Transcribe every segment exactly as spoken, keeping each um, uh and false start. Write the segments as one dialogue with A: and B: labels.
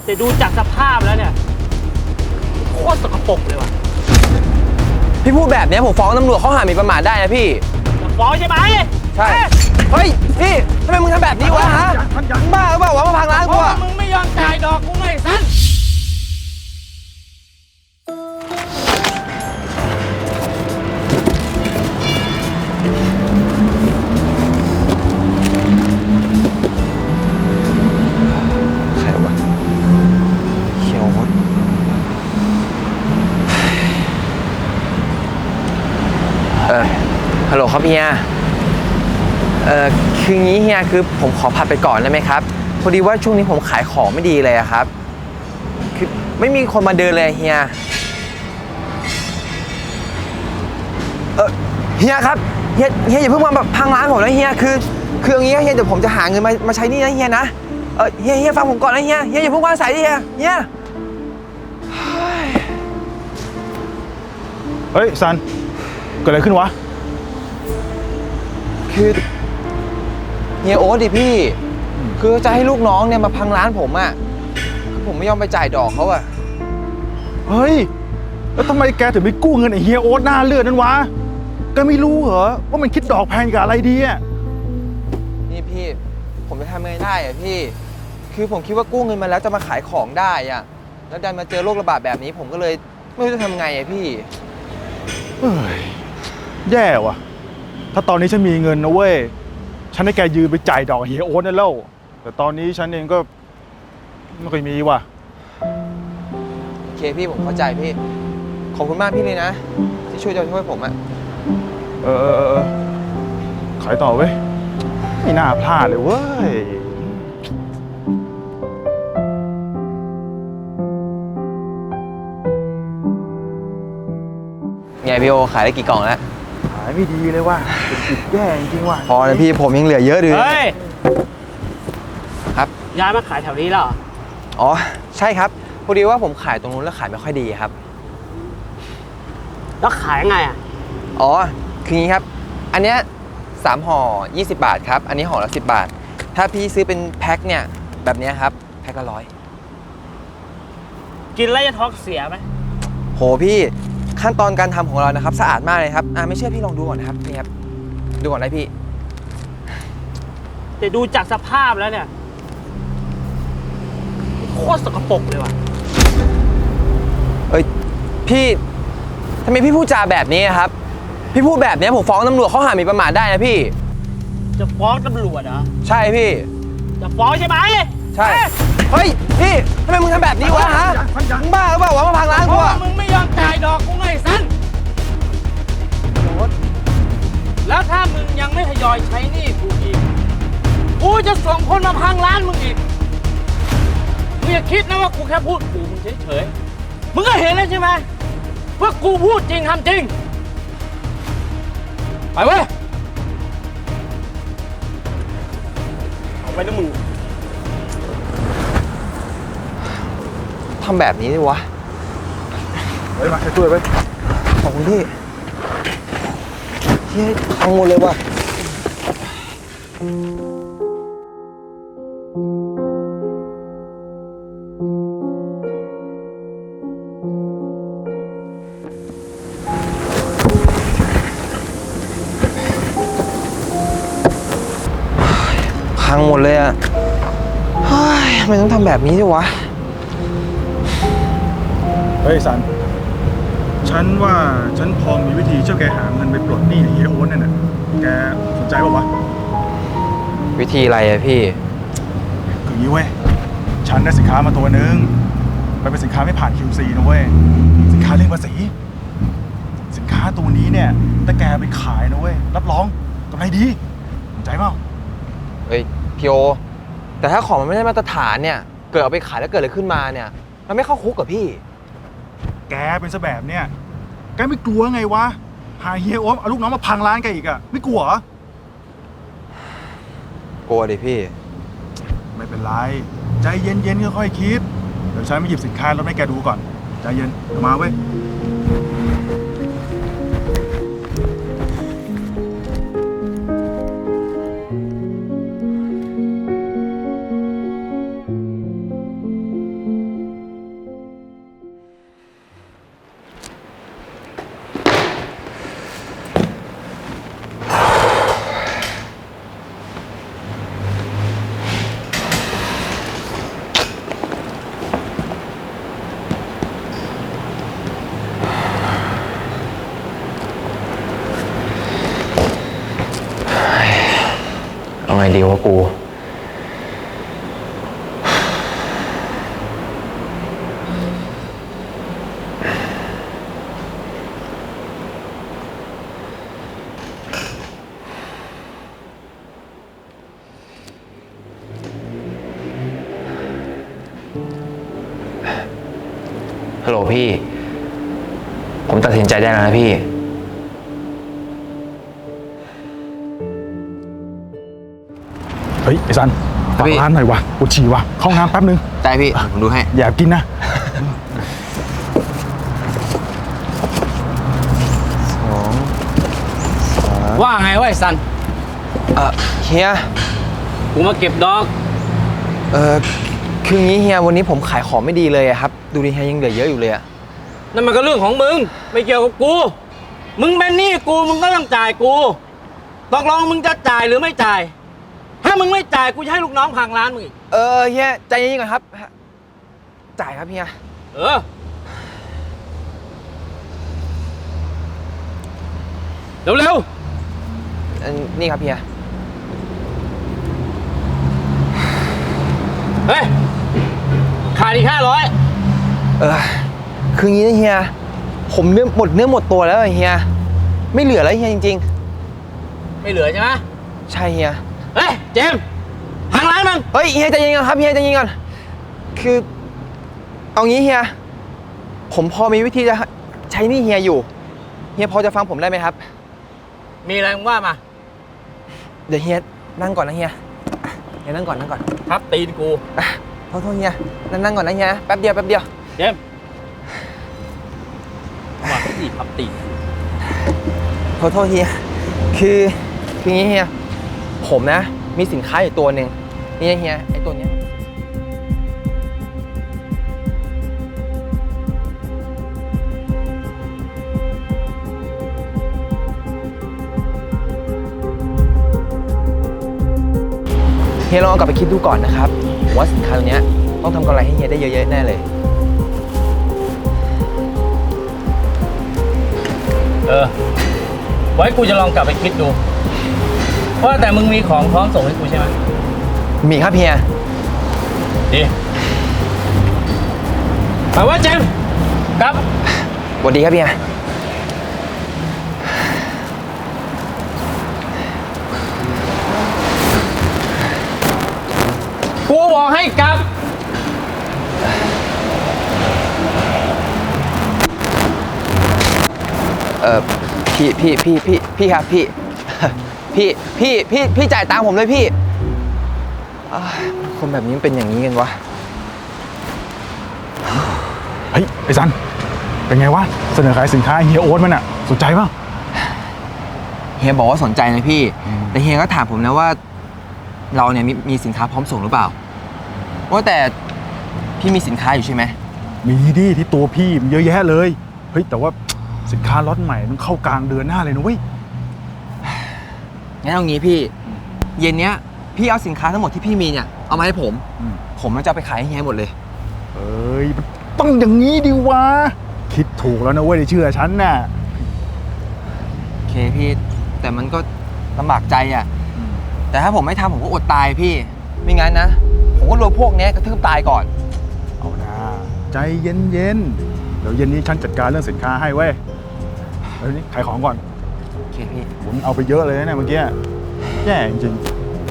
A: แต่ดูจากสภาพแล้วเนี่ยโคตรสกปรกเลยว่ะ
B: พี่พูดแบบนี้ผมฟ้องตำรวจข้อหาหมิ่นประมาทได้นะพี่
A: จะฟ้องใช่ไหม
B: ใช่เฮ้ยพี่ทำไมมึงทำแบบนี้วะฮะมึงบ้าหรือเปล่าวะมาพังร้านกูอะ
A: มึงไม่ยอมจ่ายดอกกูไงสั้น
B: ใครวะเขียวมดเออฮัลโหลครับเฮียเออคืองี้เฮียคือผมขอผัดไปก่อนได้ไหมครับพอดีว่าช่วงนี้ผมขายของไม่ดีเลยครับคือไม่มีคนมาเดินเลยเฮียเออเฮียครับเฮียเฮียอย่าเพิ่งมาแบบพังร้านผมนะเฮียคือคืออย่างงี้เฮียเดี๋ยวผมจะหาเงินมามาใช้หนี้นะเฮียนะเออเฮียเฮียฟังผมก่อนนะเฮียเฮียอย่าเพิ่งวางสายดิเฮียเฮีย
C: เฮ้ยซันเกิดอะไรขึ้นวะ
B: คือเฮียโอ๊ตดิพี่คือจะให้ลูกน้องเนี่ยมาพังร้านผมอ่ะคือผมไม่ยอมไปจ่ายดอกเขาอ่ะ
C: เฮ้ยแล้วทำไมแกถึงไปกู้เงินไอ้เฮียโอ๊ตหน้าเลือดนั้นวะแกไม่รู้เหรอว่ามันคิดดอกแพงกับอะไรดีอ่ะ
B: นี่พี่ผมจะทำไงได้อ่ะพี่คือผมคิดว่ากู้เงินมาแล้วจะมาขายของได้อ่ะแล้วดันมาเจอโรคระบาดแบบนี้ผมก็เลยไม่รู้จะทำไงอ่ะพี่
C: เอ้ยแย่ว่ะถ้าตอนนี้ฉันมีเงินนะเว้ยฉันให้แกยืมไปจ่ายดอกเฮียโอ๊ตนั่นแล้วแต่ตอนนี้ฉันเองก็ไม่ค่อยมีว่ะ
B: โอเคพี่ผมเข้าใจพี่ขอบคุณมากพี่เลยนะที่ช่วยจะช่วยผมอ่ะ
C: เออเออเออขายต่อเว้ยไม่น่าพลาดเลยเว้ย
B: ไงพี่โอขายได้กี่กล่องแล้ว
C: ขายไม่ดีเลยว่ะเป็นจิตแย่จริงว่ะ
B: พอนะพี่ผมยังเหลือเยอะดิ
A: เฮ้ย
B: ครับ
A: ย้ายมาขายแถวนี้แล้วเหรอ
B: อ๋อใช่ครับพอดีว่าผมขายตรงนู้นแล้วขายไม่ค่อยดีครับ
A: แล้วขายไงอ่ะ
B: อ๋อคืองี้ครับอันเนี้ยสามห่อยี่สิบบาทครับอันนี้ห่อละสิบบาทถ้าพี่ซื้อเป็นแพ็คเนี่ยแบบนี้ครับแพ็คละร้อย
A: กินแล้วจะท้องเสียไหม
B: โหพี่ขั้นตอนการทำของเรานะครับสะอาดมากเลยครับอ่าไม่เชื่อพี่ลองดูก่อนนะครับนี่ครับดูก่อนได้พี่
A: แต่ดูจากสภาพแล้วเนี่ยโคตรสกปรกเลยว่ะ
B: เอ้ยพี่ทำไมพี่พูดจาแบบนี้ครับพี่พูดแบบนี้ผมฟ้องตำรวจข้อหาหมิ่นประมาทได้นะพี่
A: จะฟ้องตำรวจเหรอ
B: ใช่พี่
A: จะฟ้องใช่ไหม
B: ใช่เฮ้ยพี่ทำไมมึงทำแบบนี้วะฮะมึงบ้าหรือเปล่าวะมาพังร้านกูอะ
A: มึงไม่ยอมจ่ายดอกกูไงสั้นแล้วถ้ามึงยังไม่ทยอยใช้หนี้กูอีกกูจะส่งคนมาพังร้านมึงอีกมึงอย่าคิดนะว่ากูแค่พูดกูมึงเฉยๆมึงก็เห็นแล้วใช่ไหมว่ากูพูดจริงทำจริงไปเว้ยเอาไปนะมึง
B: ทำแบบนี้ดิวะ
C: เฮ้ยมาช่วยไป
B: ขอบคุณพี่เฮ้ยพังหมดเลยว่ะพังหมดเลยอ่ะเฮ้ยทำไมต้องทำแบบนี้ด้วยวะ
C: เฮ้ยสันฉันว่าฉันพอมีวิธีช่วยแกหาเงินไปปลดหนี้เฮียโอ๊ตนั่นน่ะแกสนใจป่าววะ
B: วิธีอะไรอะพี่
C: คืองี้เว้ยฉันได้สินค้ามาตัวนึงมันเป็นสินค้าไม่ผ่าน คิว ซี นะเว้ยสินค้าเลี่ยงภาษีสินค้าตัวนี้เนี่ยถ้าแกไปขายนะเว้ยรับรองกำไรดีสนใจเปล่า
B: เฮ้ยพี่โอแต่ถ้าของมันไม่ได้มาตรฐานเนี่ยเกิดเอาไปขายแล้วเกิดอะไรขึ้นมาเนี่ยมันไม่เข้าคุกกับพี่
C: แกเป็นซะแบบเนี่ยแกไม่กลัวไงวะหาเฮียโอ๊ตเอาลูกน้องมาพังร้านแกอีกอะไม่กลัวเหร
B: กลัวดิพี่
C: ไม่เป็นไรใจเย็นๆค่อยๆคิดเดี๋ยวฉันไปหยิบสินค้ารถให้แกดูก่อนใจเย็นมาเว้ย
B: ไงดีวะกู ฮัลโหลพี่ ผมตัดสินใจได้แล้วนะพี่
C: เฮ้ยไอ้ซัน
B: ครั
C: ฝา
B: บ
C: ก
B: พี่
C: ร้านหน่อยวะปวดฉี่วะเข้าห้องน้ำแป๊บนึง
B: ได้พี่ ผมดูให้
C: อย่ากินนะ
B: สอง
A: ว่าไงวะไอ้สัน
B: เออเฮีย
A: กูมาเก็บดอก
B: เออคืองี้เฮียวันนี้ผมขายของไม่ดีเลยอะครับ ดูดิเฮียยังเหลือเยอะอยู่เลยอะ
A: นั่นมันก็เรื่องของมึง ไม่เกี่ยวกับกู มึงเป็นหนี้กูมึงก็ต้องจ่ายกูตกลงมึงจะจ่ายหรือไม่จ่าย ถ้ามึงไม่จ่ายกูจะให้ลูกน้องพังร้านมึงอีก
B: เออเฮียใจเย็นๆก่อนครับ จ่ายครับเฮีย
A: เออ เร็ว
B: เอ่อนี่ครับเฮีย
A: ๆ เฮ้ย ขาดอีกห้าร้อย
B: เออคืองี้นะเฮีย ผมเนื้อหมดเนื้อหมดตัวแล้วอะเฮีย ไม่เหลือแล้วเฮียจริง
A: ไม่เหลือใช่ไหม
B: ๆ ใช่เฮีย
A: เฮ้ย เจมส์พังร้านมึง
B: เฮ้ยเฮียใจเย็นก่อนครับเฮียใจเย็นก่อน คือ เอางี้เฮีย ผมพอมีวิธีจะใช้หนี่เฮียอยู่ เฮียพอจะฟังผมได้ไหมครับ
A: มีอะไรมึงว่ามา
B: เดี๋ยวเฮียนั่งก่อนนะเฮียเฮียนั่งก่อนนั่งก่อน
A: ทับตีนกู
B: อ่ะโทษโทษเฮียนั่งนั่งก่อนนะเฮียแป๊บเดียวแป๊บเดียว
A: เจมส์มาที่ทับตีน
B: โทษโทษเฮีย คือคืองี้เฮีย ผมนะ มีสินค้าอยู่ตัวหนึ่งนี่เฮียไอตัวเนี้ยเฮียลองเอากลับไปคิดดูก่อนนะครับผมว่าสินค้าตัวเนี้ยต้องทำกำไรให้เฮียได้เยอะๆแน่เลย
A: เออ ไว้กูจะลองกลับไปคิดดู ว่าแต่มึงมีของพร้อมส่งให้กูใช่ไหม
B: มีครับเฮีย
A: ดีไปว่าเจมส์ครับ
B: สวัสดีครับเฮีย
A: กูบอกให้กลับ
B: เออพี่พี่พี่พี่พี่ครับพี่ พี่พี่พี่พี่จ่ายตังค์ผมเลยพี่อ้าวคนแบบนี้มันเป็นอย่างนี้กันวะ
C: เฮ้ยไอ้ซันเป็นไงวะเสนอขายสินค้าเฮียโอ๊ตมันอะสนใจป่ะ
B: เฮียบอกว่าสนใจนะพี่ แต่เฮียก็ถามผมนะว่า เราเนี่ยมีมีสินค้าพร้อมส่งหรือเปล่า ว่าแต่พี่มีสินค้าอยู่ใช่ไหม
C: มีดิที่ตัวพี่มันเยอะแยะเลยเฮ้ยแต่ว่าสินค้าล็อตใหม่มันเข้ากลางเดือนหน้าเลยนะเว้ย
B: งั้นเอางี้พี่ เย็นเนี้ยพี่เอาสินค้าทั้งหมดที่พี่มีเนี่ยเอามาให้ผม
C: อืม
B: ผมจะเอาไปขายให้เฮียหมดเลย
C: เอ้ยมันต้องอย่างนี้ดิวะคิดถูกแล้วนะเว้ยเชื่อฉันน่ะ
B: โอเคพี่ แต่มันก็ลำบากใจอ่ะ แต่ถ้าผมไม่ทำผมก็อดตายพี่ ไม่งั้นนะ ผมก็โดนพวกเนี้ยกระทืบตายก่อน
C: เอานะใจเย็นเย็นๆเดี๋ยวเย็นนี้ฉันจัดการเรื่องสินค้าให้เว้ยเฮ้ยนี่ขายของก่อน
B: โอเคพี่
C: ผมเอาไปเยอะเลยนะเนี่ยเมื่อกี้แย่จริง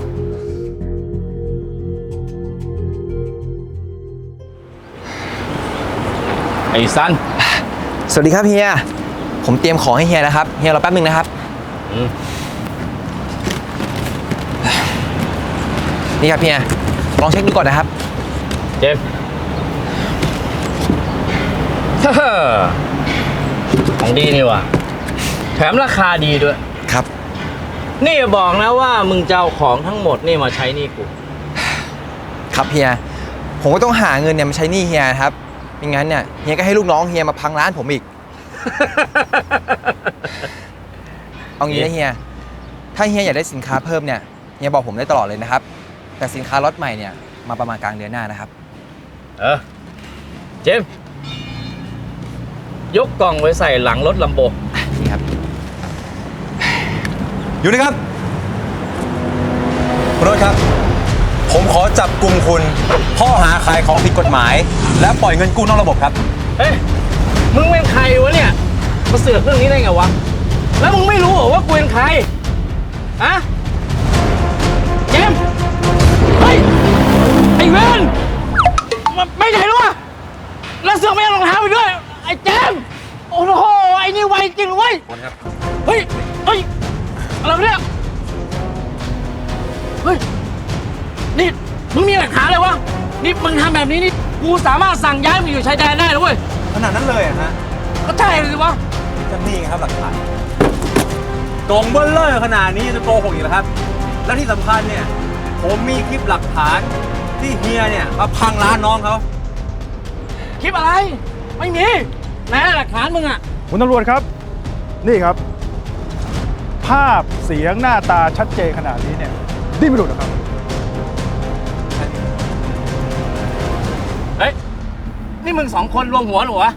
A: ไอ้สัน
B: สวัสดีครับเฮีย ผมเตรียมของให้เฮียนะครับ เฮียรอแป๊บนึงนะครับ
A: อืม
B: นี่ครับเฮีย ลองเช็คดูก่อนนะครับ
A: เจมส์ ฮ่าฮ่าของดีนี่ว่ะ แถมราคาดีด้วย
B: ครับ
A: นี่อย่าบอกนะว่ามึงจะเอาของทั้งหมดนี่มาใช้หนี่กู
B: ครับเฮีย ผมก็ต้องหาเงินเนี่ยมาใช้หนี้เฮียนะครับไม่งั้นเนี่ยเฮียก็ให้ลูกน้องเฮียมาพังร้านผมอีก เอางี้นะเฮีย ถ้าเฮียอยากได้สินค้าเพิ่มเนี่ย เฮียบอกผมได้ตลอดเลยนะครับ แต่สินค้าล็อตใหม่เนี่ยมาประมาณกลางเดือนหน้านะครับ
A: เออ เจมส์ยกกล่องไว้ใส่หลังรถลัมโบ
B: นี่ครับ
D: อยู่นะครับคุณโรจน์ครับ ผมขอจับกลุ่มคุณข้อหาขายของผิดกฎหมาย และปล่อยเงินกู้นอกระบบครับ
A: เฮ้ย มึงเป็นใครวะเนี่ย มาเสือกเรื่องนี้ได้ไงวะ แล้วมึงไม่รู้เหรอว่ากูเป็นใคร ฮะ เจมส์เฮ้ย ไอ้เวนมันไม่ใช่หรอวะแล้วเสือกไม่เอารองเท้าไปด้วย ไอ้เจมส์โอ้โห ไอ้นี่ไวจริงเว้ย เฮ้ย เฮ้ย อะไรวะเนี่ย เฮ้ย นี่ มึงมีหลักฐานเลยวะ นี่มึงทำแบบนี้นี่ กูสามารถสั่งย้ายมึงอยู่ชายแดนได้นะเว้ย
D: ขนาดนั้นเลยอะฮะ
A: ก็ใช่เลยสิวะ
D: จะนี่ไงครับหลักฐานกองเบลเลอร์ขนาดนี้จะโกหกอีกเหรอครับ และที่สำคัญเนี่ย ผมมีคลิปหลักฐานที่เฮียเนี่ยมาพังร้านน้องเขา
A: คลิปอะไร ไม่มีไหนหลักฐานมึงอะ
C: คุณตำรวจครับ นี่ครับ ภาพเสียงหน้าตาชัดเจนขนาดนี้เนี่ยดิ้นไม่หลุดหรอกครับ
A: เฮ้ย นี่มึงสองคนรวมหัวเหรอวะ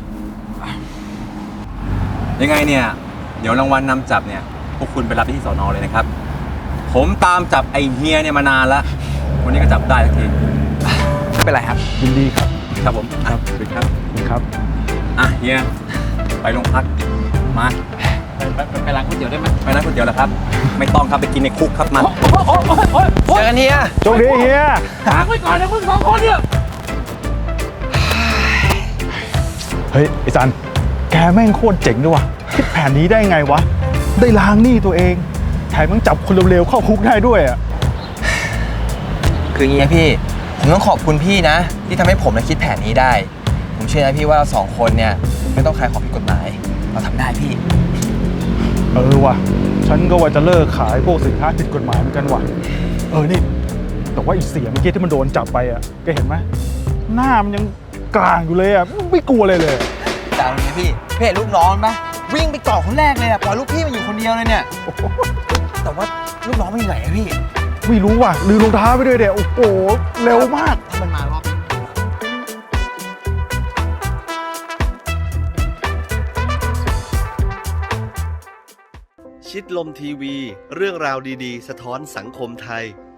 D: ยังไงเนี่ย เดี๋ยวรางวัลนำจับเนี่ย พวกคุณไปรับที่สอนอเลยนะครับ ผมตามจับไอ้เฮียเนี่ยมานานแล้ว วันนี้ก็จับได้สักที
B: ไม่เป็นไรครับ
C: ยินดีครับ
D: ครับผมอ่ะสวัสดีครับ
C: ครับ
D: อ่ะเฮีย ไปโรงพัก มา
A: ไปไปไปร้านก๋วยเตี๋ยวได้ไหม
D: ไปร้านก๋วยเตี๋ยวแล้วครับ ไม่ต้องครับไปกินในคุกครับมา
A: โอ้โหโอ้โหโอ้โหโอ้
B: เจ
A: โห
B: อกันเฮีย
C: โชคดีเฮีย
A: ฝากไว้ก่อนนะมึงสองคนเนี่ย
C: เฮ้ยไอ้จันแกแม่งโคตรเจ๋งด้วยว่ะคิดแผนนี้ได้ไงวะ ได้ล้างหนี้ตัวเอง แถมยังจับคนเร็วๆเข้าคุกได้ด้วยอ่ะ
B: คืออย่างนี้นะพี่ ผมต้องขอบคุณพี่นะ ที่ทำให้ผมนะคิดแผนนี้ได้ ผมเชื่อนะพี่ว่าเราสองคนเนี่ยไม่ต้องขายของผิดกฎหมาย เราทำได้พี่
C: เออว่ะ ฉันก็ว่าจะเลิกขายพวกสินค้าผิดกฎหมายเหมือนกันว่ะ เออนี่ แต่ว่าอีเสียเมื่อกี้ที่มันโดนจับไปอ่ะแกเห็นไหมหน้ามันยังกลางอยู่เลยอ่ะไม่กลัวเลยเลย
B: แต่เอางี้พี่พี่เห็นลูกน้องปะวิ่งไปเกาะคนแรกเลยอะปล่อยลูกพี่มาอยู่คนเดียวเลยเนี่ย แต่ว่าลูกน้องมันอยู่ไหนอะพี่
C: ไม่รู้ว่ะลืมรองเท้าไปด้วยเดี๋ยวโอ้โหเร็วมาก
B: ถ้ามันมารอบ
E: ชิดลมทีวี เรื่องราวดีๆ สะท้อนสังคมไทย